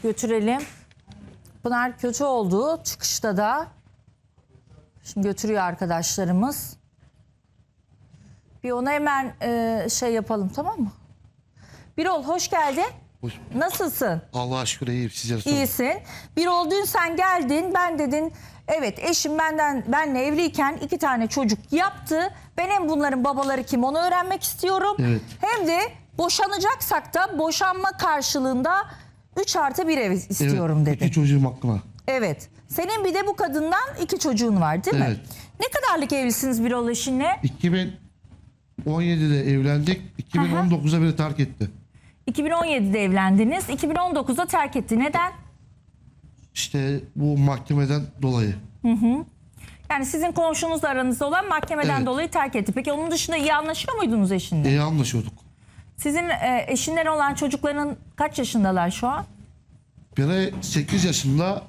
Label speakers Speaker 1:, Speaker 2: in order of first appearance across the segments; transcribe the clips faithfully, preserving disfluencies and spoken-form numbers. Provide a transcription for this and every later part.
Speaker 1: götürelim. Pınar kötü oldu. Çıkışta da. Şimdi götürüyor arkadaşlarımız. Bir ona hemen e, şey yapalım, tamam mı? Birol hoş geldin.
Speaker 2: Hoş.
Speaker 1: Nasılsın?
Speaker 2: Allah'a şükür iyiyim. Sizler sorun.
Speaker 1: İyisin. Birol dün sen geldin. Ben dedin evet eşim benden benle evliyken iki tane çocuk yaptı. Ben hem bunların babaları kim onu öğrenmek istiyorum.
Speaker 2: Evet.
Speaker 1: Hem de boşanacaksak da boşanma karşılığında üç artı bir ev istiyorum
Speaker 2: Evet,
Speaker 1: dedi.
Speaker 2: İki çocuğum hakkına.
Speaker 1: Evet. Senin bir de bu kadından iki çocuğun var değil mi?
Speaker 2: Evet.
Speaker 1: Ne kadarlık evlisiniz Birol eşinle?
Speaker 2: iki bin on yedide evlendik. iki bin on dokuzda beni terk etti.
Speaker 1: iki bin on yedide evlendiniz. iki bin on dokuzda terk etti. Neden?
Speaker 2: İşte bu mahkemeden dolayı.
Speaker 1: Yani sizin komşunuzla aranızda olan mahkemeden
Speaker 2: Evet.
Speaker 1: dolayı terk etti. Peki onun dışında iyi anlaşıyor muydunuz eşinle?
Speaker 2: İyi anlaşıyorduk.
Speaker 1: Sizin e, eşinden olan çocukların kaç yaşındalar şu an?
Speaker 2: Biri sekiz yaşında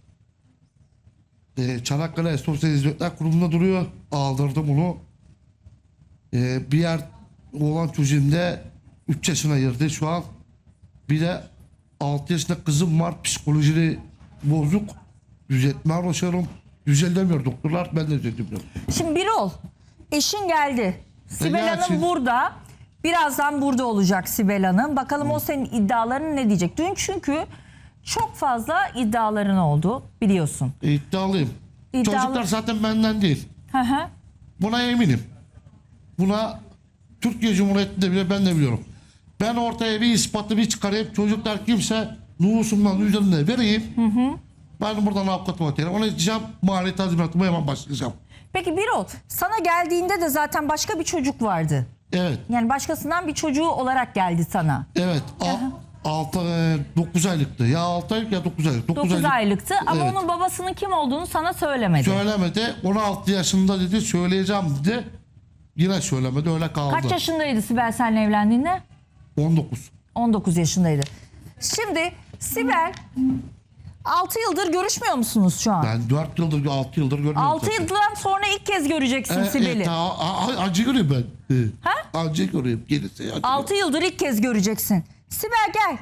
Speaker 2: e, Çanakkale Sosyal Hizmetler Kurumu'nda duruyor. Aldırdım onu. E, bir yer olan çocuğum da üç yaşına girdi şu an. Bir de altı yaşında kızım var. Psikolojili bozuk. Düzeltmeye uğraşıyorum. Düzeltemiyor doktorlar. Ben de düzeltemiyorum.
Speaker 1: Şimdi Birol, eşin geldi. Sibel
Speaker 2: gelsin.
Speaker 1: Hanım burada. Birazdan burada olacak Sibel Hanım. Bakalım o senin iddiaların ne diyecek? Dün çünkü çok fazla iddiaların oldu biliyorsun.
Speaker 2: E, iddialıyım.
Speaker 1: İddialı-
Speaker 2: Çocuklar zaten benden değil.
Speaker 1: Hı hı.
Speaker 2: Buna eminim. Buna Türkiye Cumhuriyeti'nde bile ben de biliyorum. Ben ortaya bir ispatı bir çıkarayım. Çocuklar kimse nüfusumdan üzerine vereyim. Hı hı. Ben buradan avukatıma telefon edeceğim. Mali tazminatıma hemen başlayacağım.
Speaker 1: Peki Birol, sana geldiğinde de zaten başka bir çocuk vardı.
Speaker 2: Evet.
Speaker 1: Yani başkasından bir çocuğu olarak geldi sana.
Speaker 2: Evet. altı dokuz aylıktı. Ya altı aylık ya dokuz aylık.
Speaker 1: dokuz aylıktı ama
Speaker 2: Evet.
Speaker 1: onun babasının kim olduğunu sana söylemedi.
Speaker 2: Söylemedi. on altı yaşında dedi söyleyeceğim dedi. Yine söylemedi öyle kaldı.
Speaker 1: Kaç yaşındaydı Sibel seninle evlendiğinde?
Speaker 2: on dokuz.
Speaker 1: on dokuz yaşındaydı. Şimdi Sibel altı yıldır görüşmüyor musunuz şu an?
Speaker 2: Ben dört yıldır altı yıldır görmüyorum.
Speaker 1: altı
Speaker 2: zaten.
Speaker 1: yıldan sonra ilk kez göreceksin
Speaker 2: E,
Speaker 1: Sibel'i.
Speaker 2: e, ta- a- a- acı görüyorum ben. E,
Speaker 1: Ha?
Speaker 2: Acı görüyorum. Gelirse acı
Speaker 1: altı yıldır ilk kez göreceksin. Sibel gel.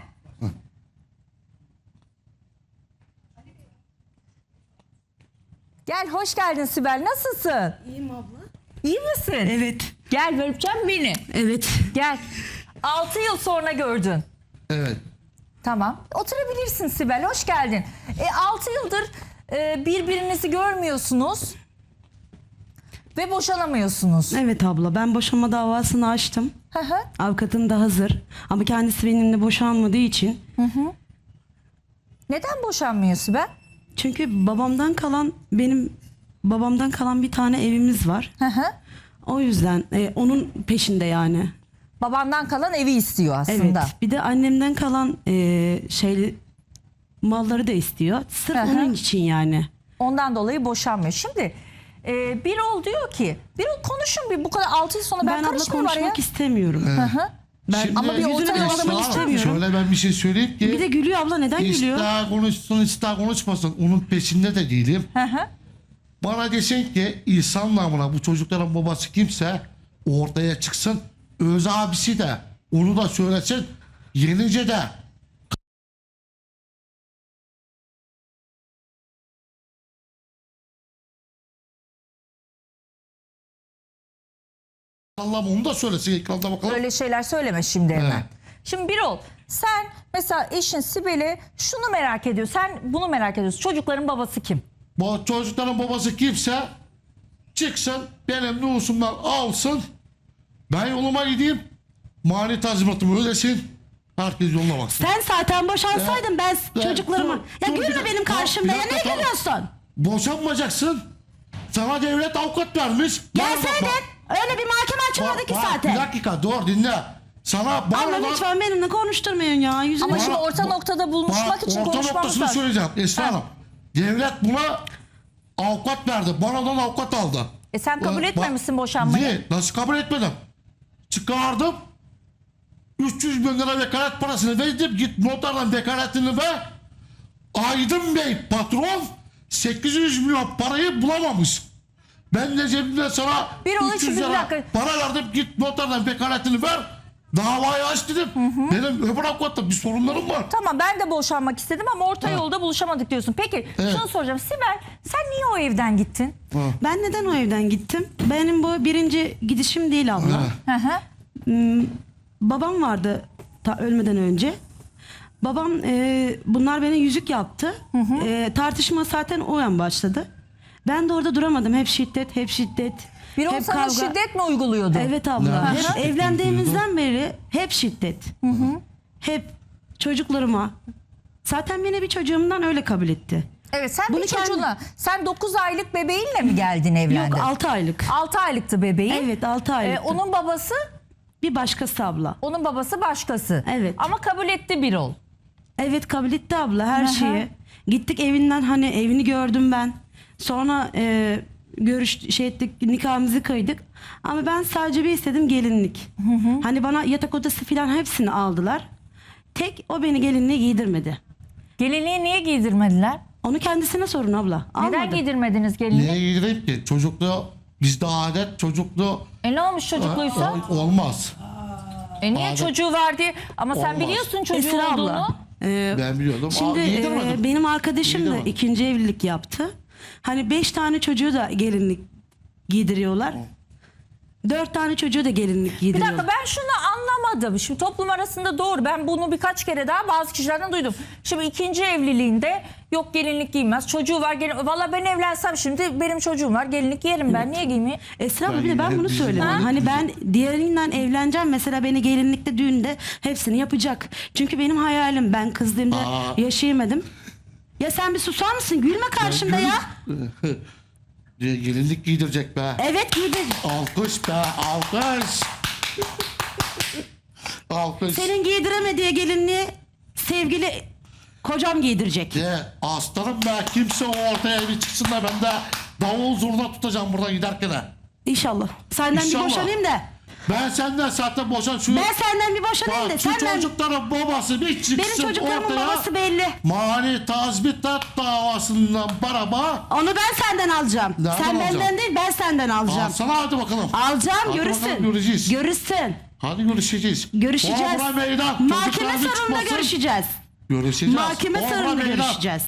Speaker 1: Gel hoş geldin Sibel. Nasılsın?
Speaker 3: İyiyim abla.
Speaker 1: İyi misin?
Speaker 3: Evet.
Speaker 1: Gel öpeceğim beni.
Speaker 3: Evet.
Speaker 1: Gel. altı yıl sonra gördün.
Speaker 2: Evet.
Speaker 1: Tamam. Oturabilirsin Sibel. Hoş geldin. E, altı yıldır e, birbirinizi görmüyorsunuz. Ve boşanamıyorsunuz.
Speaker 3: Evet abla, ben boşanma davasını açtım.
Speaker 1: Hı hı.
Speaker 3: Avukatım da hazır. Ama kendisi benimle boşanmadığı için.
Speaker 1: Neden boşanmıyor Sibel?
Speaker 3: Çünkü babamdan kalan benim babamdan kalan bir tane evimiz var.
Speaker 1: Hı hı.
Speaker 3: O yüzden e, onun peşinde yani.
Speaker 1: Babandan kalan evi istiyor aslında.
Speaker 3: Evet. Bir de annemden kalan e, şey malları da istiyor. Sırf
Speaker 1: Hı hı.
Speaker 3: onun için yani.
Speaker 1: Ondan dolayı boşanmıyor. Şimdi e, Birol diyor ki, Birol konuşun bir bu kadar altı yıl sonra ben,
Speaker 3: Ben, abla
Speaker 1: karışmıyorum araya.
Speaker 3: konuşmak istemiyorum.
Speaker 1: Hı hı.
Speaker 3: Ben
Speaker 2: Şimdi-
Speaker 1: Ama bir
Speaker 3: Yüzünü
Speaker 1: orta
Speaker 3: de
Speaker 1: yol
Speaker 3: alamak
Speaker 1: aramak
Speaker 2: Esra,
Speaker 3: istemiyorum.
Speaker 2: Şöyle ben bir şey söyleyeyim ki.
Speaker 3: Bir de gülüyor abla, neden gülüyor?
Speaker 2: İster konuşsun ister konuşmasın. Onun peşinde de değilim.
Speaker 1: Hı hı.
Speaker 2: Bana desin ki İhsan namına bu çocukların babası kimse ortaya çıksın. Öz abisi de onu da söylesin. Yenice de Allah'ım onu da söylesin ekranda bakalım.
Speaker 1: Öyle şeyler söyleme şimdi hemen.
Speaker 2: Evet.
Speaker 1: Şimdi Birol sen mesela eşin Sibel'i şunu merak ediyor. Sen bunu merak ediyorsun. Çocukların babası kim?
Speaker 2: Bu çocukların babası kimse çıksın benim nüfusumdan alsın. Ben yoluma gideyim. Mali tazminatımı ödesin. Herkes yoluna baksın.
Speaker 3: Sen zaten boşansaydın ben
Speaker 2: Ya,
Speaker 3: çocuklarıma...
Speaker 2: dur,
Speaker 3: Ya
Speaker 2: dur, bir
Speaker 3: gülme
Speaker 2: dakika,
Speaker 3: benim karşımda
Speaker 2: bir
Speaker 3: ya,
Speaker 2: dakika,
Speaker 3: ne
Speaker 2: tamam.
Speaker 3: gülüyorsun?
Speaker 2: Boşanmayacaksın. Sana devlet avukat vermiş. Bana bak-
Speaker 3: Gelseydin
Speaker 2: bak-
Speaker 3: öyle bir mahkeme açılmadı
Speaker 2: bak-
Speaker 3: ki
Speaker 2: bak,
Speaker 3: zaten.
Speaker 2: Bir dakika dur dinle. Sana bana
Speaker 3: Abla lütfen benimle konuşturmayın ya. Yüzüme...
Speaker 1: Ama
Speaker 2: Bana-
Speaker 1: şimdi orta
Speaker 2: bak-
Speaker 1: noktada buluşmak
Speaker 2: bak,
Speaker 1: için
Speaker 2: orta
Speaker 1: konuşmamız
Speaker 2: noktasını
Speaker 1: lazım.
Speaker 2: söyleyeceğim Esra
Speaker 1: Ha.
Speaker 2: Hanım. Devlet buna avukat verdi. Bana da avukat aldı.
Speaker 1: E sen kabul
Speaker 2: Ee,
Speaker 1: etmemişsin
Speaker 2: bak-
Speaker 1: boşanmayı.
Speaker 2: Niye? Nasıl kabul etmedim? Çıkardım. üç yüz bin lira vekalet parasını verdim. Git noterden vekaletini ver. Aydın Bey patron sekiz yüz milyon parayı bulamamış. Ben de cebimde sana
Speaker 1: Bir onun
Speaker 2: üç
Speaker 1: için
Speaker 2: yüz
Speaker 1: bir
Speaker 2: lira
Speaker 1: dakika.
Speaker 2: para verdim. Git noterden vekaletini ver. Davayı aç dedim. Benim öbür avukatla bir sorunlarım var.
Speaker 1: Tamam, ben de boşanmak istedim ama orta
Speaker 2: Ha.
Speaker 1: yolda buluşamadık diyorsun. Peki
Speaker 2: Evet.
Speaker 1: şunu soracağım. Sibel, sen niye o evden gittin?
Speaker 3: Ben neden o evden gittim? Benim bu birinci gidişim değil abla.
Speaker 2: Ha.
Speaker 1: Hı hı.
Speaker 3: Hmm, babam vardı ta ölmeden önce. Babam e, bunlar bana yüzük yaptı. E, tartışma zaten o an başladı. Ben de orada duramadım. Hep şiddet, hep şiddet.
Speaker 1: Bir o
Speaker 3: hep
Speaker 1: sana
Speaker 3: kavga.
Speaker 1: şiddet mi uyguluyordu?
Speaker 3: Evet abla.
Speaker 2: Ne?
Speaker 3: Hep
Speaker 2: Şiddet
Speaker 3: evlendiğimizden beri hep şiddet. Hep çocuklarıma. Zaten beni bir çocuğumdan öyle kabul etti.
Speaker 1: Evet, sen
Speaker 3: Bunu
Speaker 1: bir
Speaker 3: kendi-
Speaker 1: çocuğuna, sen dokuz aylık bebeğinle mi geldin, evlendin?
Speaker 3: Yok altı aylık.
Speaker 1: altı aylıktı bebeğin.
Speaker 3: Evet altı aylık.
Speaker 1: Ee, onun babası,
Speaker 3: Bir başkası abla.
Speaker 1: onun babası başkası.
Speaker 3: Evet.
Speaker 1: Ama kabul etti Birol.
Speaker 3: Evet kabul etti abla her
Speaker 1: Aha.
Speaker 3: şeyi. Gittik evinden, hani evini gördüm ben. Sonra e, görüş şey ettik, nikahımızı kıydık. Ama ben sadece bir istedim, gelinlik. Hani bana yatak odası falan hepsini aldılar. Tek o beni gelinliğe giydirmedi.
Speaker 1: Gelinliği niye giydirmediler?
Speaker 3: Onu kendisine sorun abla.
Speaker 1: Neden
Speaker 3: Almadı.
Speaker 1: giydirmediniz gelinliği?
Speaker 2: Niye giydireyim ki? Çocukluğu bizde adet çocukluğu
Speaker 1: E ne olmuş çocukluysa?
Speaker 2: Ol- olmaz.
Speaker 1: E niye
Speaker 2: Adet-
Speaker 1: çocuğu var diye? Ama sen
Speaker 2: Olmaz.
Speaker 1: biliyorsun çocuğu
Speaker 3: Esra
Speaker 1: olduğunu.
Speaker 3: abla. e,
Speaker 2: Ben biliyordum.
Speaker 3: Şimdi
Speaker 2: Aa,
Speaker 3: e,
Speaker 2: giydirmedim.
Speaker 3: benim arkadaşım da
Speaker 2: Giydirmedim.
Speaker 3: ikinci evlilik yaptı. Hani beş tane çocuğu da gelinlik giydiriyorlar. Dört tane çocuğu da gelinlik
Speaker 1: Bir
Speaker 3: giydiriyorlar.
Speaker 1: dakika, ben şunu anlamadım. Şimdi toplum arasında doğru. Ben bunu birkaç kere daha bazı kişilerden duydum. Şimdi ikinci evliliğinde yok gelinlik giymez. Çocuğu var. Gelin... Valla ben evlensem şimdi benim çocuğum var. Gelinlik giyerim ben. Niye giymeyeyim?
Speaker 3: Esra abla
Speaker 2: Ben
Speaker 3: bir de ben
Speaker 2: yine
Speaker 3: bunu
Speaker 2: bizim
Speaker 3: söyledim.
Speaker 2: Ha?
Speaker 3: Hani ben diğerinden evleneceğim. Mesela beni gelinlikte düğünde hepsini yapacak. Çünkü benim hayalim, ben kızdığımda
Speaker 2: Aa.
Speaker 3: yaşayamadım. Ya sen bir susar mısın? Gülme karşımda ya.
Speaker 2: Diye gelinlik giydirecek be.
Speaker 3: Evet giydir.
Speaker 2: Alkış be, alkış. Alkış.
Speaker 3: Senin giydiremediği gelinliği sevgili kocam giydirecek.
Speaker 2: De aslanım be, kimse o ortaya bir çıksın da ben de davul zurna tutacağım buradan giderken de.
Speaker 3: İnşallah. Senden
Speaker 2: İnşallah.
Speaker 3: bir boşanayım da.
Speaker 2: Ben senden zaten boşan şu...
Speaker 3: Ben senden bir boşanayım da.
Speaker 2: Bak, şu
Speaker 3: Senden...
Speaker 2: çocukların babası bir çıksın
Speaker 3: Benim çocuklarımın
Speaker 2: ortaya.
Speaker 3: babası belli.
Speaker 2: Mani tazminat davasından baraba.
Speaker 3: Onu ben senden alacağım.
Speaker 2: Nereden
Speaker 3: Sen benden
Speaker 2: alacağım?
Speaker 3: değil, ben senden alacağım.
Speaker 2: Alsana hadi bakalım.
Speaker 3: Alacağım,
Speaker 2: Hadi
Speaker 3: görürsün.
Speaker 2: bakalım, göreceğiz.
Speaker 3: Görürsün.
Speaker 2: Hadi görüşeceğiz.
Speaker 3: Görüşeceğiz.
Speaker 2: Orada meydan.
Speaker 3: Mahkeme
Speaker 2: Çocuklar bir
Speaker 3: salonunda
Speaker 2: çıkmasın.
Speaker 3: görüşeceğiz.
Speaker 2: Görüşeceğiz.
Speaker 3: Mahkeme
Speaker 2: Orada
Speaker 3: salonunda
Speaker 2: meydan.
Speaker 3: görüşeceğiz.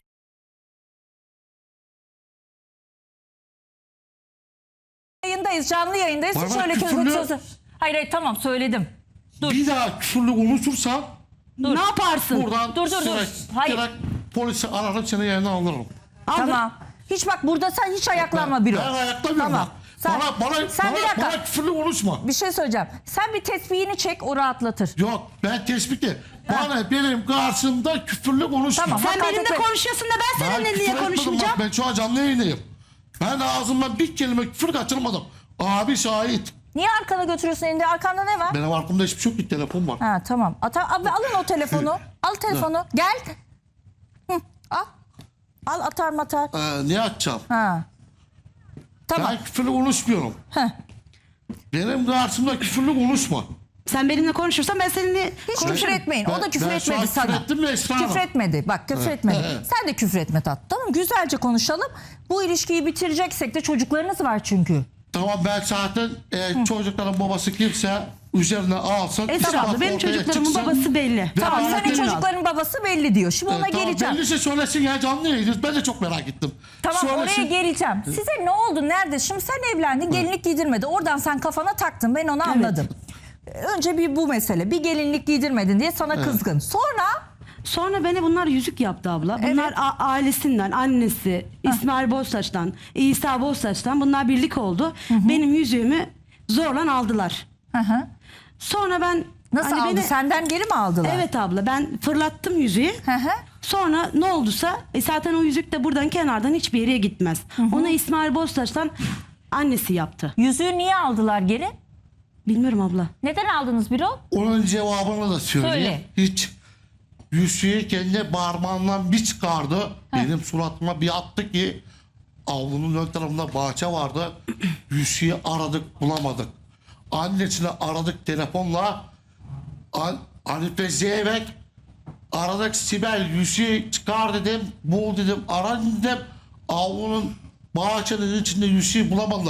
Speaker 1: Yayındayız, canlı yayındayız. Hiç
Speaker 2: Bana
Speaker 1: öyle
Speaker 2: küfürlü-
Speaker 1: közü sözü. Hayır hayır, tamam söyledim. Dur.
Speaker 2: Bir daha küfürlü konuşursan
Speaker 3: Ne yaparsın?
Speaker 2: buradan
Speaker 1: Dur, dur, dur.
Speaker 2: direkt,
Speaker 1: Hayır.
Speaker 2: direkt polisi ararım, seni yerine alırım.
Speaker 3: Aldır.
Speaker 1: Tamam. Hiç bak, burada sen hiç ayaklanma Birol.
Speaker 2: Ben ayaklamıyorum.
Speaker 1: Tamam.
Speaker 2: ben.
Speaker 1: Sen-
Speaker 2: bana, bana,
Speaker 1: sen bir
Speaker 2: bana,
Speaker 1: dakika.
Speaker 2: bana küfürlü konuşma.
Speaker 1: Bir şey söyleyeceğim. Sen bir tesbihini çek, o rahatlatır.
Speaker 2: Yok, ben tespiti. Bana benim karşımda küfürlü konuşma.
Speaker 1: Tamam.
Speaker 3: Sen
Speaker 1: Hakaret
Speaker 3: benimle
Speaker 1: etme.
Speaker 3: konuşuyorsun da ben
Speaker 2: Ben
Speaker 3: seninle
Speaker 2: küfür
Speaker 3: niye
Speaker 2: etmedim,
Speaker 3: konuşmayacağım?
Speaker 2: bak ben şu an canlı yayındayım. Ben ağzımdan bir kelime küfür kaçırmadım. Abi şahit.
Speaker 1: Niye arkana götürüyorsun elinde? Arkanda ne var?
Speaker 2: Benim arkamda hiçbir şey yok, bir telefon var.
Speaker 1: Ha tamam. Ata, abi alın o telefonu. Al telefonu. Gel. Hı, al. Al, atar matar.
Speaker 2: Ee, niye açacağım?
Speaker 1: Ha. Tamam.
Speaker 2: Ben küfürlü konuşmuyorum.
Speaker 1: Heh.
Speaker 2: Benim karşımda küfürlü konuşma.
Speaker 3: Sen benimle konuşursan ben seninle
Speaker 1: Hiç
Speaker 3: konuşurum.
Speaker 1: küfür etmeyin. O
Speaker 2: Ben-
Speaker 1: da küfür
Speaker 2: ben şu
Speaker 1: etmedi
Speaker 2: an
Speaker 1: sana.
Speaker 2: küfür ettim mi Esra Hanım?
Speaker 1: Küfür etmedi. Bak küfür etmedi.
Speaker 2: evet.
Speaker 1: Sen de küfür etme tat. Tamam, güzelce konuşalım. Bu ilişkiyi bitireceksek de, çocuklarınız var çünkü.
Speaker 2: Tamam, ben zaten e, çocukların babası kimse üzerine alsın.
Speaker 3: Esra
Speaker 2: ispatı
Speaker 3: abla benim
Speaker 2: ortaya
Speaker 3: çocuklarımın
Speaker 2: çıksın.
Speaker 3: babası belli.
Speaker 1: Tamam,
Speaker 2: ben
Speaker 1: senin
Speaker 2: anlatayım.
Speaker 1: çocukların babası belli diyor. Şimdi ona
Speaker 2: E, tamam,
Speaker 1: geleceğim.
Speaker 2: belliyse söylesin ya, canlı yayındayız. Ben de çok merak ettim.
Speaker 1: Tamam,
Speaker 2: Söylesin.
Speaker 1: oraya geleceğim. Size ne oldu? Nerede? Şimdi sen evlendin, gelinlik giydirmedi. Oradan sen kafana taktın. Ben onu anladım. Önce bir bu mesele. Bir gelinlik giydirmedin diye sana kızgın. Sonra
Speaker 3: Sonra beni bunlar yüzük yaptı abla. Bunlar
Speaker 1: Evet.
Speaker 3: a- ailesinden, annesi, İsmail Boztaş'tan, İsa Boztaş'tan bunlar birlik oldu. Benim yüzüğümü zorla aldılar.
Speaker 1: hı hı.
Speaker 3: Sonra ben
Speaker 1: Nasıl
Speaker 3: hani
Speaker 1: aldı?
Speaker 3: beni-
Speaker 1: Senden geri mi aldılar?
Speaker 3: Evet abla, ben fırlattım yüzüğü.
Speaker 1: Hı hı.
Speaker 3: Sonra ne olduysa e zaten o yüzük de buradan kenardan hiçbir yere gitmez. Onu İsmail Boztaş'tan annesi yaptı.
Speaker 1: Yüzüğü niye aldılar geri?
Speaker 3: Bilmiyorum abla.
Speaker 1: Neden aldınız Birol?
Speaker 2: Onun cevabını da söyleyeyim.
Speaker 1: Söyle.
Speaker 2: Hiç yüzüğü kendi parmağından bir çıkardı. Benim suratıma bir attı ki avlunun ön tarafında bahçe vardı. Yüzüğü aradık, bulamadık. Annesini aradık telefonla. An Hanife Zeybek aradık, Sibel yüzüğü çıkar dedim. Bul dedim, ara dedim. Avlunun bahçenin içinde yüzüğü bulamadılar.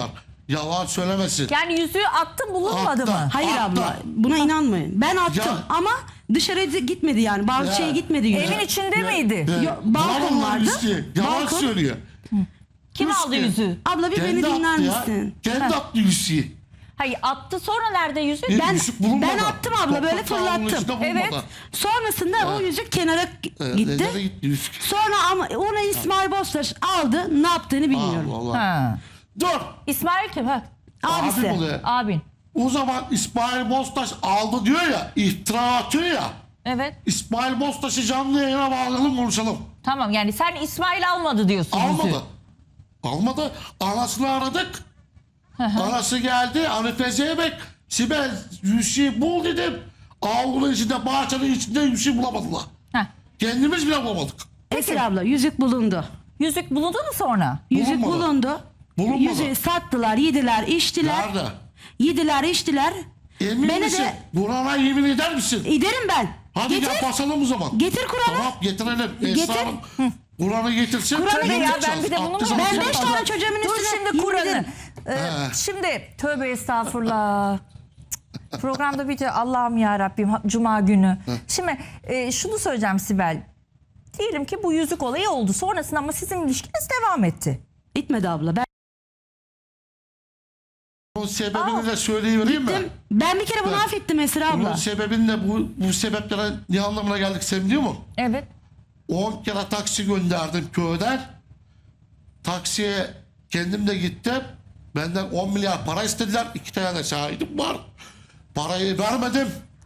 Speaker 2: Yalan söylemesin.
Speaker 1: Yani yüzüğü attın bulunmadı
Speaker 2: Attı.
Speaker 1: mı?
Speaker 3: Hayır
Speaker 2: Attı.
Speaker 3: abla buna inanmayın. Ben attım
Speaker 2: Ya.
Speaker 3: ama dışarıya gitmedi yani. Bazı
Speaker 2: Ya.
Speaker 3: şeye gitmedi yüzük.
Speaker 1: Evin içinde miydi?
Speaker 2: Ee,
Speaker 3: Yo, balkon
Speaker 2: bulamam
Speaker 3: vardı.
Speaker 2: Hüsnü. Yalan
Speaker 3: Balkon.
Speaker 2: söylüyor.
Speaker 1: Kim
Speaker 2: Hüsnü.
Speaker 1: aldı yüzüğü?
Speaker 3: Abla bir beni
Speaker 2: Kendi
Speaker 3: dinler
Speaker 2: attı ya.
Speaker 3: misin?
Speaker 2: Kendi attı Hüsnü'yü.
Speaker 1: Hayır attı sonra nerede yüzük?
Speaker 2: Bir
Speaker 3: Ben-
Speaker 2: yüzük bulunmadı.
Speaker 3: ben attım abla, böyle
Speaker 2: Toprak sağlığının
Speaker 3: fırlattım.
Speaker 2: içinde bulunmadı.
Speaker 1: Evet.
Speaker 3: Sonrasında o yüzük kenara
Speaker 2: Ee,
Speaker 3: gitti.
Speaker 2: nereye gitti yüzük?
Speaker 3: Sonra ama onu İsmail Bostaş aldı. Ne yaptığını bilmiyorum.
Speaker 2: Allah Allah.
Speaker 1: Ha.
Speaker 2: Dur.
Speaker 1: İsmail kim? Ha.
Speaker 3: Abisi.
Speaker 2: Abim oluyor.
Speaker 1: Abin.
Speaker 2: O zaman İsmail Bostaş aldı diyor ya, iftira atıyor ya.
Speaker 1: Evet.
Speaker 2: İsmail Bostaş'ı canlı yayına bağlayalım, konuşalım.
Speaker 1: Tamam yani sen İsmail almadı diyorsun yüzüğü.
Speaker 2: Almadı. Almadı. Anasını aradık. Anası geldi. Hanife Zeybek. Sibel yüzüğü bul dedim. Avlunun içinde, bahçenin içinde yüzüğü bulamadılar.
Speaker 1: Heh.
Speaker 2: Kendimiz bile bulamadık.
Speaker 3: Esra abla yüzük bulundu.
Speaker 1: Yüzük bulundu mu sonra?
Speaker 3: Yüzük
Speaker 2: Bulunmadı.
Speaker 3: bulundu.
Speaker 2: Bulunmadı.
Speaker 3: Yüzüğü sattılar, yediler, içtiler.
Speaker 2: Nerede?
Speaker 3: Yediler, içtiler.
Speaker 2: Emin
Speaker 3: Beni
Speaker 2: misin?
Speaker 3: de
Speaker 2: Burana yemin eder misin?
Speaker 3: giderim ben.
Speaker 2: Hadi
Speaker 3: Getir.
Speaker 2: gel basalım o zaman.
Speaker 3: Getir Kur'an'ı.
Speaker 2: Tamam getirelim.
Speaker 3: Getir.
Speaker 2: Esra Hanım, Kur'an'ı getirsin.
Speaker 3: Kur'an'ı
Speaker 2: Tövbe
Speaker 3: getir.
Speaker 1: Ya
Speaker 2: edeceğiz.
Speaker 1: ben bir de bunu mu
Speaker 2: Abdest
Speaker 3: Ben
Speaker 1: yapacağım?
Speaker 3: beş
Speaker 2: alacağız.
Speaker 3: tane çocuğumun
Speaker 1: Dur
Speaker 3: üstüne
Speaker 1: şimdi
Speaker 3: yemin
Speaker 1: Kur'an'ı.
Speaker 3: ederim.
Speaker 1: Ee,
Speaker 2: He.
Speaker 1: şimdi tövbe estağfurullah. Cık, Programda bitiyor. Allah'ım ya Rabbim Cuma günü. Şimdi e, şunu söyleyeceğim Sibel. Diyelim ki bu yüzük olayı oldu. Sonrasında ama sizin ilişkiniz devam etti.
Speaker 3: Gitmedi abla. Ben
Speaker 2: Bunun sebebini de söyleyivereyim mi?
Speaker 3: gittim. Ben bir kere bunu
Speaker 2: Evet.
Speaker 3: affettim Esra
Speaker 2: Bunun
Speaker 3: abla.
Speaker 2: sebebini de bu, bu sebeplere ne anlamına geldik sen biliyor musun?
Speaker 1: Evet.
Speaker 2: on kere taksi gönderdim köyden. Taksiye kendim de gittim. Benden on milyar para istediler. İki tane de şahidim var. Parayı vermedim.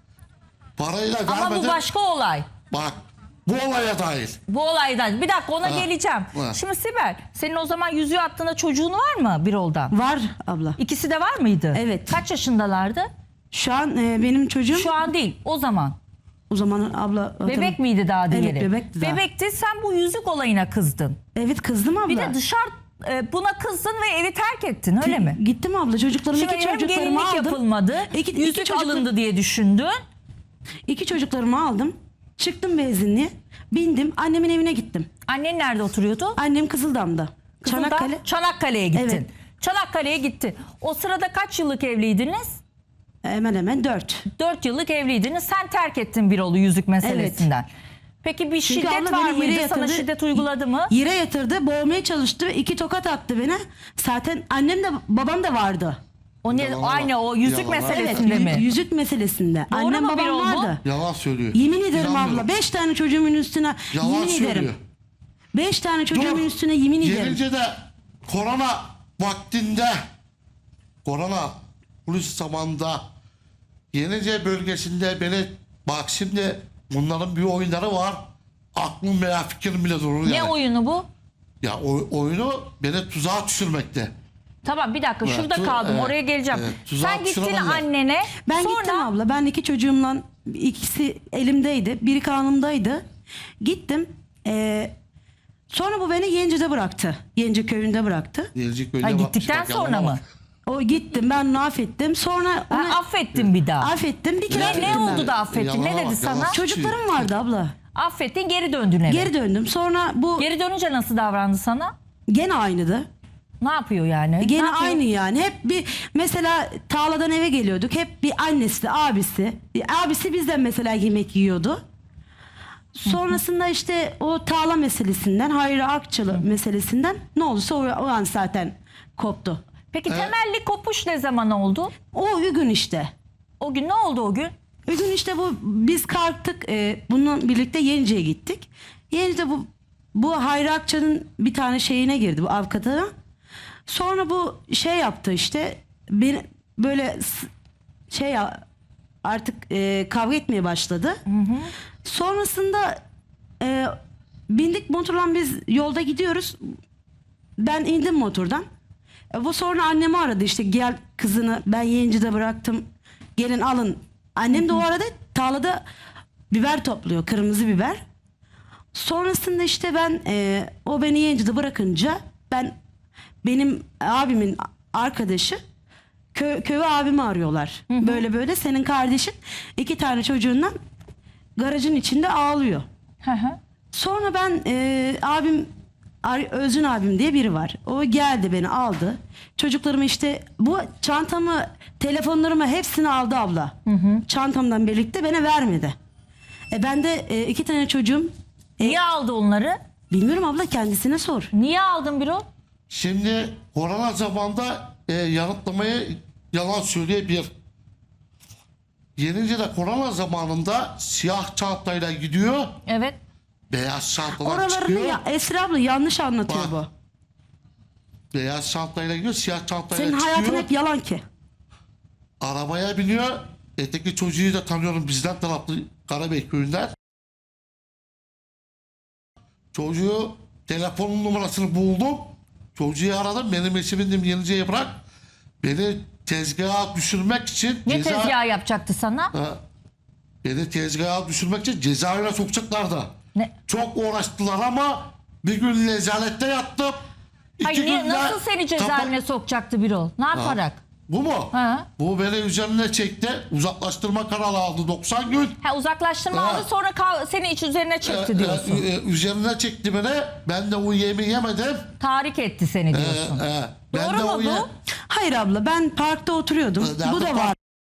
Speaker 2: Parayı da
Speaker 1: Ama
Speaker 2: vermedim.
Speaker 1: bu başka olay.
Speaker 2: Bak bu olaya dahil.
Speaker 1: Bu olaydan. Bir dakika ona
Speaker 2: Ha,
Speaker 1: geleceğim.
Speaker 2: ha.
Speaker 1: Şimdi Sibel senin o zaman yüzüğü attığında çocuğun var mı Birol'dan?
Speaker 3: Var abla.
Speaker 1: İkisi de var mıydı?
Speaker 3: Evet.
Speaker 1: Kaç yaşındalardı?
Speaker 3: Şu an e, benim çocuğum
Speaker 1: Şu an değil. O zaman.
Speaker 3: o zaman abla.
Speaker 1: Bebek miydi daha
Speaker 3: Evet,
Speaker 1: diyelim?
Speaker 3: bebekti daha.
Speaker 1: Bebekti. Sen bu yüzük olayına kızdın.
Speaker 3: Evet kızdım abla.
Speaker 1: Bir de dışarı e, buna kızdın ve evi terk ettin öyle mi?
Speaker 3: Gittim abla çocuklarımı
Speaker 1: Şimdi
Speaker 3: iki
Speaker 1: hem
Speaker 3: çocuklarımı
Speaker 1: gelinlik
Speaker 3: aldım.
Speaker 1: yapılmadı.
Speaker 3: İki- iki
Speaker 1: yüzük
Speaker 3: çocuk-
Speaker 1: alındı diye düşündün.
Speaker 3: İki çocuklarımı aldım. Çıktım benzinliğe. Bindim. Annemin evine gittim.
Speaker 1: Annen nerede oturuyordu?
Speaker 3: Annem Kızıldam'da.
Speaker 1: Kızıldağ,
Speaker 3: Çanakkale.
Speaker 1: Çanakkale'ye gittin.
Speaker 3: Evet.
Speaker 1: Çanakkale'ye gittin. O sırada kaç yıllık evliydiniz?
Speaker 3: Hemen hemen dört.
Speaker 1: Dört yıllık evliydiniz. Sen terk ettin Birol'u yüzük meselesinden. Peki bir
Speaker 3: Çünkü
Speaker 1: şiddet
Speaker 3: abla
Speaker 1: var
Speaker 3: beni yere
Speaker 1: mıydı? Sana
Speaker 3: yatırdı.
Speaker 1: şiddet uyguladı mı?
Speaker 3: Yere yatırdı. Boğmaya çalıştı. İki tokat attı bana. Zaten annem de babam da vardı.
Speaker 1: O ne,
Speaker 2: Yalan var.
Speaker 1: aynı o yüzük
Speaker 2: Yalan var.
Speaker 1: meselesinde
Speaker 3: Evet,
Speaker 1: mi?
Speaker 3: yü- yüzük meselesinde.
Speaker 1: Doğru
Speaker 3: Annem
Speaker 1: mu
Speaker 3: babam
Speaker 1: Birol bu?
Speaker 3: vardı.
Speaker 2: Yalan söylüyor.
Speaker 3: Yemin ederim
Speaker 2: İnanmıyorum.
Speaker 3: abla. Beş tane çocuğumun üstüne
Speaker 2: Yalan
Speaker 3: yemin
Speaker 2: söylüyor.
Speaker 3: ederim. Beş tane çocuğumun
Speaker 2: Dur.
Speaker 3: üstüne yemin ederim.
Speaker 2: Gelince de korona vaktinde korona polis zamanında Yenice bölgesinde beni bak şimdi bunların bir oyunları var. Aklım veya fikrim bile durur
Speaker 1: Ne
Speaker 2: yani.
Speaker 1: oyunu bu?
Speaker 2: Ya o, oyunu beni tuzağa düşürmekte.
Speaker 1: Tamam bir dakika
Speaker 2: Evet,
Speaker 1: şurada
Speaker 2: tu-
Speaker 1: kaldım
Speaker 2: evet,
Speaker 1: oraya geleceğim.
Speaker 2: evet, tuzağa
Speaker 1: Sen gittin
Speaker 2: düşüremezler.
Speaker 1: annene
Speaker 3: Ben
Speaker 1: sonra
Speaker 3: gittim abla. Ben iki çocuğumla ikisi elimdeydi. Biri kanımdaydı. Gittim. Ee, sonra bu beni Yenci'de bıraktı. Yenci köyünde bıraktı.
Speaker 2: Gelecek böyle
Speaker 1: Ha,
Speaker 2: bakmış,
Speaker 1: gittikten
Speaker 2: bak,
Speaker 1: sonra
Speaker 2: yalana
Speaker 1: mı?
Speaker 2: bak.
Speaker 3: O gittim. Ben onu affettim. Sonra
Speaker 1: Ha,
Speaker 3: onu
Speaker 1: affettin bir daha.
Speaker 3: affettim. Bir kere
Speaker 1: Ne, ne
Speaker 3: affettim ben.
Speaker 1: oldu da affettin?
Speaker 2: Yalana
Speaker 1: Ne dedi
Speaker 2: bak,
Speaker 1: sana?
Speaker 2: yalan.
Speaker 3: Çocuklarım vardı abla.
Speaker 1: Affettin geri döndün eve.
Speaker 3: Geri döndüm. Sonra bu
Speaker 1: Geri dönünce nasıl davrandı sana?
Speaker 3: gene aynıydı.
Speaker 1: Ne yapıyor yani? Ne
Speaker 3: Gene
Speaker 1: yapıyor?
Speaker 3: aynı yani. Hep bir mesela tarladan eve geliyorduk. Hep bir annesi, abisi. Abisi bizden mesela yemek yiyordu. Sonrasında işte o tarla meselesinden, Hayri Akçalı meselesinden ne olursa o, o an zaten koptu.
Speaker 1: Peki temelli kopuş ne zaman oldu?
Speaker 3: O gün işte.
Speaker 1: O gün ne oldu o gün?
Speaker 3: O gün işte bu biz kalktık. E, bununla birlikte Yenice'ye gittik. Yenice'de bu bu Hayri Akça'nın bir tane şeyine girdi bu avukatına. Sonra bu şey yaptı işte beni böyle s- şey ya- artık e, kavga etmeye başladı. Sonrasında e, bindik motorla biz yolda gidiyoruz. Ben indim motordan. E, bu sonra annemi aradı işte gel kızını ben Yenci'de bıraktım. Gelin alın. Annem de o arada tarlada biber topluyor. Kırmızı biber. Sonrasında işte ben e, o beni Yenci'de bırakınca ben benim abimin arkadaşı kö, köy abimi arıyorlar. Böyle böyle senin kardeşin iki tane çocuğundan garajın içinde ağlıyor.
Speaker 1: Hı hı.
Speaker 3: Sonra ben e, abim Ar- Özün abim diye biri var. O geldi beni aldı. Çocuklarımı işte bu çantamı, telefonlarımı hepsini aldı abla. Çantamdan birlikte bana vermedi. E ben de e, iki tane çocuğum.
Speaker 1: Niye aldı onları?
Speaker 3: Bilmiyorum abla, kendisine sor.
Speaker 1: Niye aldın Birol?
Speaker 2: Şimdi korona zamanında e, yanıtlamayı yalan söyleyebilir. Yenince de korona zamanında siyah çantayla gidiyor,
Speaker 1: Evet.
Speaker 2: beyaz çantalar
Speaker 3: Oralarını
Speaker 2: çıkıyor.
Speaker 3: ya Esra abla yanlış anlatıyor
Speaker 2: Bak,
Speaker 3: bu.
Speaker 2: Beyaz çantayla gidiyor, siyah çantayla
Speaker 3: Senin
Speaker 2: çıkıyor.
Speaker 3: hayatın hep yalan ki.
Speaker 2: Arabaya biniyor. Öteki çocuğu da tanıyorum, bizden taraflı Karabey köyünden. Çocuğu telefonun numarasını buldum. Çocuğu aradım. Benim eşimin dedim Yenice'ye bırak. Beni tezgaha düşürmek için
Speaker 1: Ne
Speaker 2: ceza...
Speaker 1: tezgahı yapacaktı sana?
Speaker 2: Ha, beni tezgaha düşürmek için cezaevine sokacaklardı.
Speaker 1: Ne?
Speaker 2: Çok uğraştılar ama bir gün nezarette yattım. İki
Speaker 1: Hayır, niye-
Speaker 2: günde
Speaker 1: nasıl seni cezaevine
Speaker 2: kapa-
Speaker 1: sokacaktı Birol? Ne yaparak?
Speaker 2: Bu mu?
Speaker 1: Ha.
Speaker 2: Bu beni üzerine çekti. Uzaklaştırma kararı aldı doksan gün.
Speaker 1: Ha, uzaklaştırma
Speaker 2: Ha.
Speaker 1: aldı, sonra kav- seni iç üzerine çekti
Speaker 2: Ee,
Speaker 1: diyorsun.
Speaker 2: e, e, üzerine çekti beni. Ben de o yemi yemedim.
Speaker 1: Tahrik etti seni
Speaker 2: Ee,
Speaker 1: diyorsun.
Speaker 2: e, ben
Speaker 1: Doğru
Speaker 2: de
Speaker 1: mu
Speaker 2: o
Speaker 1: bu?
Speaker 2: ye-
Speaker 3: Hayır abla, ben parkta oturuyordum.
Speaker 2: Nerede
Speaker 3: Bu da
Speaker 2: park-
Speaker 3: var.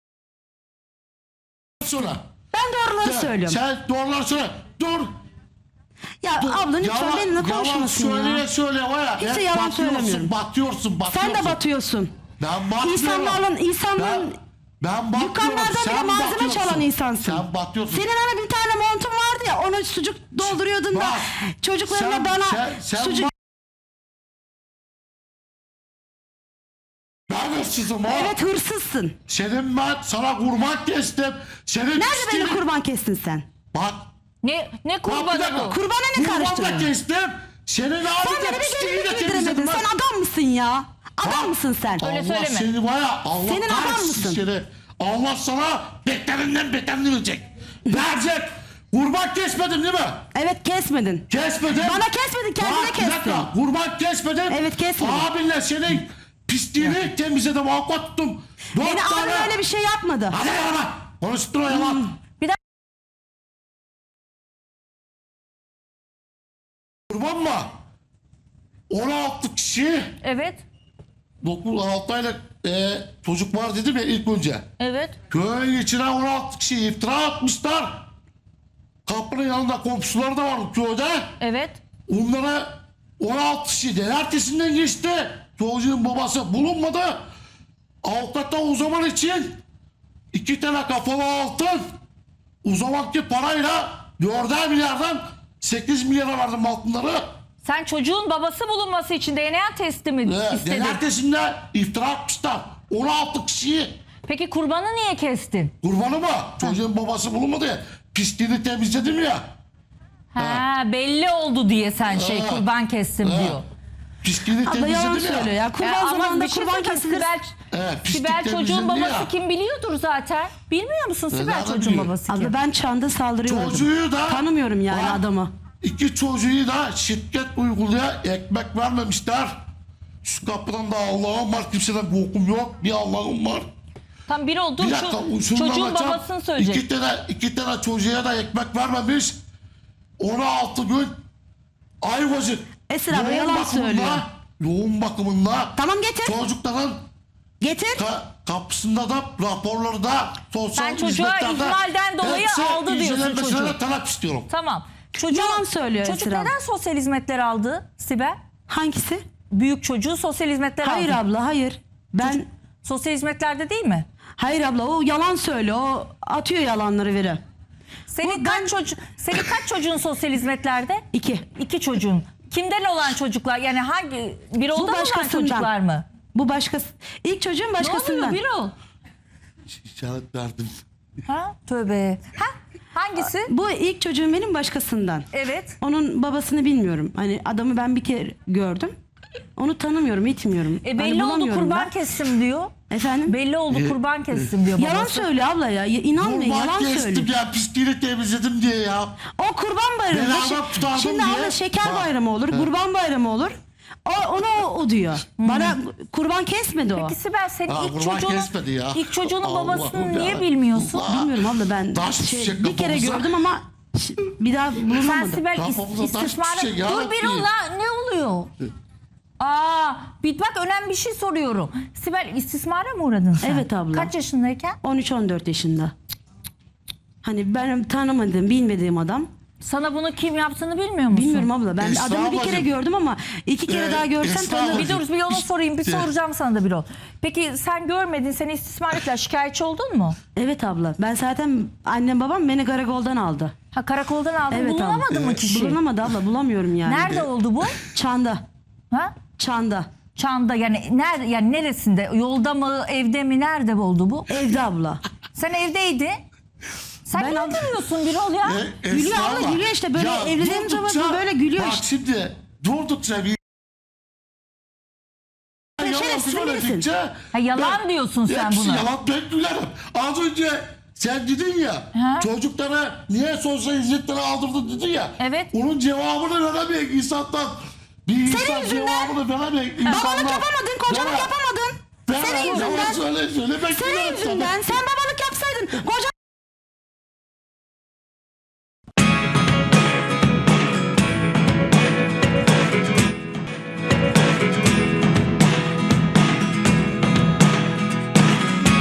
Speaker 2: Sonra.
Speaker 3: Ben doğruları
Speaker 2: Sen-
Speaker 3: söylüyorum.
Speaker 2: Sen doğruları söyle. Dur.
Speaker 3: Ya
Speaker 2: dur.
Speaker 3: abla lütfen
Speaker 2: Yalan-
Speaker 3: benimle
Speaker 2: Yalan
Speaker 3: konuşmasın
Speaker 2: söyleye
Speaker 3: ya.
Speaker 2: söyle var ya.
Speaker 3: Hiç de
Speaker 2: hep
Speaker 3: yalan
Speaker 2: batıyorsun,
Speaker 3: söylemiyorum.
Speaker 2: Batıyorsun, batıyorsun.
Speaker 3: Sen de batıyorsun.
Speaker 2: Ben batmıyorum.
Speaker 3: İnsanlarla, insanların
Speaker 2: Ben, ben batmıyorum.
Speaker 3: dükkanlardan bile
Speaker 2: sen
Speaker 3: malzeme
Speaker 2: batıyorsun.
Speaker 3: çalan insansın.
Speaker 2: Sen batıyorsun.
Speaker 3: Senin hani bir tane montun vardı ya, ona sucuk dolduruyordun da
Speaker 2: Bak,
Speaker 3: çocuklarına
Speaker 2: sen-
Speaker 3: bana
Speaker 2: sen- sen
Speaker 3: sucuk...
Speaker 2: bak- Ben hırsızım ha.
Speaker 3: Evet, hırsızsın.
Speaker 2: Senin ben sana kurban kestim. Senin
Speaker 3: Nerede beni
Speaker 2: pisliğini-
Speaker 3: kurban kestin sen?
Speaker 2: Bak.
Speaker 1: Ne ne
Speaker 2: Bak bir
Speaker 1: kurbanı
Speaker 2: dakika.
Speaker 1: bu?
Speaker 3: Kurbana ne
Speaker 2: Kurbanla
Speaker 3: karıştırıyorsun?
Speaker 2: kestim. Senin abi
Speaker 3: Sen
Speaker 2: de
Speaker 3: beni bir
Speaker 2: pisliğini de
Speaker 3: gelinlik
Speaker 2: temizledim
Speaker 3: giydiremedin.
Speaker 2: ben.
Speaker 3: Sen adam mısın ya? Adam
Speaker 2: Bak.
Speaker 3: mısın sen?
Speaker 1: Öyle
Speaker 2: Allah
Speaker 1: söyleme.
Speaker 2: seni var ya. Allah
Speaker 3: Senin adam
Speaker 2: kahretsin
Speaker 3: mısın?
Speaker 2: seni. Allah sana beterinden beterini verecek. Verecek. Kurban kesmedin değil mi?
Speaker 3: Evet, kesmedin.
Speaker 2: Kesmedin.
Speaker 3: Bana kesmedin, kendine
Speaker 2: Bak, bir
Speaker 3: kestin.
Speaker 2: dakika. Kurban kesmedin.
Speaker 3: Evet, kesmedim.
Speaker 2: Abinle senin pisliğini temizledim. Avukat tuttum. Dört
Speaker 3: Beni abim
Speaker 2: tane-
Speaker 3: öyle bir şey yapmadı.
Speaker 2: Hadi yalan. Konuşturma yalan.
Speaker 1: Bir dakika.
Speaker 2: Kurban mı? on altı kişi
Speaker 1: Evet.
Speaker 2: dokuz altı aylık e, çocuk var dedim ya ilk önce.
Speaker 1: Evet.
Speaker 2: Köyün içine on altı kişi iftira atmışlar. Kapının yanında komşuları da var köyde.
Speaker 1: Evet.
Speaker 2: Onlara on altı kişi de ertesinden geçti. Çocuğun babası bulunmadı. Avukata o zaman için iki tane kafalı altın, o zamanki parayla dörder milyardan sekiz milyara verdim altınları.
Speaker 1: Sen çocuğun babası bulunması için D N A testi mi
Speaker 2: Ee,
Speaker 1: istedin?
Speaker 2: ertesinde iftira atmışlar. on altı kişiyi.
Speaker 1: Peki kurbanı niye kestin?
Speaker 2: Kurbanı mı? Çocuğun babası bulunmadı ya. Pisliğini temizledim ya.
Speaker 1: Ha, belli oldu diye sen şey
Speaker 2: Ha.
Speaker 1: kurban kestim
Speaker 2: Ha.
Speaker 1: diyor.
Speaker 2: Pisliğini
Speaker 3: Abla yalan
Speaker 2: temizledim
Speaker 3: söylüyor
Speaker 2: ya.
Speaker 3: ya. Kurban
Speaker 1: Ya ama
Speaker 3: zamanında
Speaker 1: bir şey
Speaker 3: kurban
Speaker 1: söyleyeyim,
Speaker 3: kesilir.
Speaker 1: Sibel,
Speaker 2: Evet, pislik
Speaker 1: Sibel çocuğun
Speaker 2: temizlendi
Speaker 1: babası
Speaker 2: ya.
Speaker 1: kim biliyordur zaten. Bilmiyor musun Sibel
Speaker 2: nereden
Speaker 1: çocuğun
Speaker 2: biliyor?
Speaker 1: babası kim?
Speaker 3: Abla ben çanda saldırıyordum.
Speaker 2: Çocuğu da...
Speaker 3: Tanımıyorum yani
Speaker 2: Bak,
Speaker 3: adamı.
Speaker 2: İki çocuğu da şiddet uygulaya ekmek vermemişler. Şu kapıdan da Allah'ım var, kimseden korkum yok. Bir Allah'ım var.
Speaker 1: Tam bir oldu
Speaker 2: Bir dakika,
Speaker 1: şu
Speaker 2: şunu
Speaker 1: çocuğun
Speaker 2: anlatacağım.
Speaker 1: babasını söyleyecek.
Speaker 2: İki tane, iki tane çocuğa da ekmek vermemiş. on altı gün Ayvacık
Speaker 3: Esra abla
Speaker 2: yoğun
Speaker 3: yalan
Speaker 2: bakımında-
Speaker 3: söylüyor.
Speaker 2: Yoğun bakımında
Speaker 3: Tamam, getir.
Speaker 2: çocukların
Speaker 3: Getir.
Speaker 2: ka- kapısında da raporları da sosyal
Speaker 1: Sen çocuğa
Speaker 2: hizmetlerde
Speaker 1: ihmalden dolayı
Speaker 2: hepsi
Speaker 1: aldı diyorsun
Speaker 2: incelenmesine
Speaker 1: çocuğu.
Speaker 2: de talep istiyorum.
Speaker 1: Tamam. Çocuğu,
Speaker 3: Yalan söylüyor
Speaker 1: Çocuk
Speaker 3: Esra.
Speaker 1: neden sosyal hizmetler aldı Sibel?
Speaker 3: Hangisi?
Speaker 1: Büyük çocuğu sosyal hizmetler
Speaker 3: Hayır
Speaker 1: aldı.
Speaker 3: abla, hayır. Ben
Speaker 1: Sosyal hizmetlerde değil mi?
Speaker 3: hayır abla, o yalan söylüyor. O atıyor yalanları veri.
Speaker 1: Senin
Speaker 3: Bu
Speaker 1: kaç
Speaker 3: ben-
Speaker 1: çocuk senin kaç çocuğun sosyal hizmetlerde?
Speaker 3: İki.
Speaker 1: İki çocuğun. Kimden olan çocuklar? Yani hangi bir oldu olan
Speaker 3: başkasından.
Speaker 1: çocuklar mı?
Speaker 3: Bu başkası. İlk çocuğun
Speaker 1: Ne
Speaker 3: başkasından.
Speaker 1: oluyor Birol?
Speaker 2: İşaret verdim.
Speaker 1: Ha? Tövbe. Ha? Hangisi?
Speaker 3: Bu ilk çocuğum benim başkasından.
Speaker 1: Evet.
Speaker 3: Onun babasını bilmiyorum. Hani adamı ben bir kere gördüm. Onu tanımıyorum, itmiyorum.
Speaker 1: E
Speaker 3: Hani
Speaker 1: belli oldu
Speaker 3: bulamıyorum
Speaker 1: kurban
Speaker 3: da.
Speaker 1: kestim diyor.
Speaker 3: Efendim?
Speaker 1: Belli oldu kurban kestim diyor babası.
Speaker 3: Yalan söylüyor abla ya. Ya İnanmayın,
Speaker 2: Kurban
Speaker 3: yalan
Speaker 2: kestim
Speaker 3: söylüyor.
Speaker 2: ya, pisliğini temizledim diye ya.
Speaker 3: O kurban bayramı.
Speaker 2: Beraber
Speaker 3: Şi-
Speaker 2: tutardım
Speaker 3: Şimdi
Speaker 2: diye.
Speaker 3: abla şeker
Speaker 2: Bak.
Speaker 3: bayramı olur, kurban bayramı olur. O, onu o, o diyor. Bana kurban kesmedi o.
Speaker 1: Peki Sibel senin
Speaker 2: Ha,
Speaker 1: ilk
Speaker 2: kurban
Speaker 1: çocuğunun,
Speaker 2: kesmedi ya.
Speaker 1: ilk çocuğunun
Speaker 2: Allah'ım
Speaker 1: babasını niye
Speaker 2: ya.
Speaker 1: bilmiyorsun?
Speaker 2: Allah.
Speaker 3: Bilmiyorum abla, ben
Speaker 2: Taş
Speaker 3: şey,
Speaker 2: düşecek
Speaker 3: bir kere
Speaker 2: kafamıza.
Speaker 3: gördüm ama ş- bir daha
Speaker 1: Sen
Speaker 3: bulunamadı.
Speaker 1: Sibel is,
Speaker 2: Kafamıza taş
Speaker 1: istismarı...
Speaker 2: düşecek ya
Speaker 1: Dur
Speaker 2: Rabbi.
Speaker 1: Birol la ne oluyor? Aa, bir bak önemli bir şey soruyorum. Sibel, istismara mı uğradın sen?
Speaker 3: Evet abla.
Speaker 1: Kaç yaşındayken?
Speaker 3: on üç on dört yaşında. Hani ben tanımadığım, bilmediğim adam.
Speaker 1: Sana bunu kim yaptığını bilmiyor musun?
Speaker 3: Bilmiyorum abla. Ben
Speaker 2: Esra
Speaker 3: adamı bir kere
Speaker 2: ablacığım.
Speaker 3: gördüm ama iki kere
Speaker 2: Ee,
Speaker 3: daha görsem
Speaker 2: Esra
Speaker 3: tanırım.
Speaker 2: ablacığım.
Speaker 1: Bir dur bir onu sorayım, bir
Speaker 2: İşte-
Speaker 1: soracağım sana da bir ol. Peki sen görmedin, seni istismar ettiler, şikayetçi oldun mu?
Speaker 3: Evet abla. Ben zaten annem babam beni karakoldan aldı.
Speaker 1: Ha, karakoldan aldın,
Speaker 3: Evet abla.
Speaker 1: bulunamadı mı
Speaker 2: Evet.
Speaker 1: kişi?
Speaker 3: Bulunamadı abla. Bulamıyorum yani.
Speaker 1: Nerede oldu bu?
Speaker 3: Çanda.
Speaker 1: Ha?
Speaker 3: Çanda.
Speaker 1: Çanda, yani nerede, yani neresinde? Yolda mı, evde mi, nerede oldu bu?
Speaker 3: Evde abla.
Speaker 1: Sen evdeydin. Sen
Speaker 3: Ben
Speaker 1: niye
Speaker 3: ab-
Speaker 1: gülüyorsun Birol ya?
Speaker 2: E,
Speaker 3: Gülüyor
Speaker 2: Esra
Speaker 3: abla, gülüyor işte. Böyle evliliğim zaman
Speaker 2: durdukça-
Speaker 3: böyle gülüyor
Speaker 2: bak
Speaker 3: işte.
Speaker 2: şimdi durdukça bir yalan
Speaker 3: şerefsiz
Speaker 2: söyledikçe
Speaker 3: misin?
Speaker 1: Ha, yalan diyorsun sen
Speaker 2: hepsi
Speaker 1: buna.
Speaker 2: yalan ben gülerim. Az önce sen dedin ya
Speaker 1: Ha?
Speaker 2: çocuklara niye sosyal hizmetleri aldırdın dedin ya.
Speaker 1: Evet.
Speaker 2: Onun cevabını veremeyek insandan. Bir insan
Speaker 3: yüzünden.
Speaker 2: cevabını veremeyek insanlar.
Speaker 3: Babalık yapamadın, kocalık
Speaker 2: Bana-
Speaker 3: yapamadın.
Speaker 2: Bana
Speaker 3: Senin
Speaker 2: yalan
Speaker 3: yüzünden.
Speaker 2: söyle söyle ben
Speaker 3: Senin
Speaker 2: gülerim
Speaker 3: yüzünden.
Speaker 2: sana.
Speaker 3: Sen babalık yapsaydın, kocalık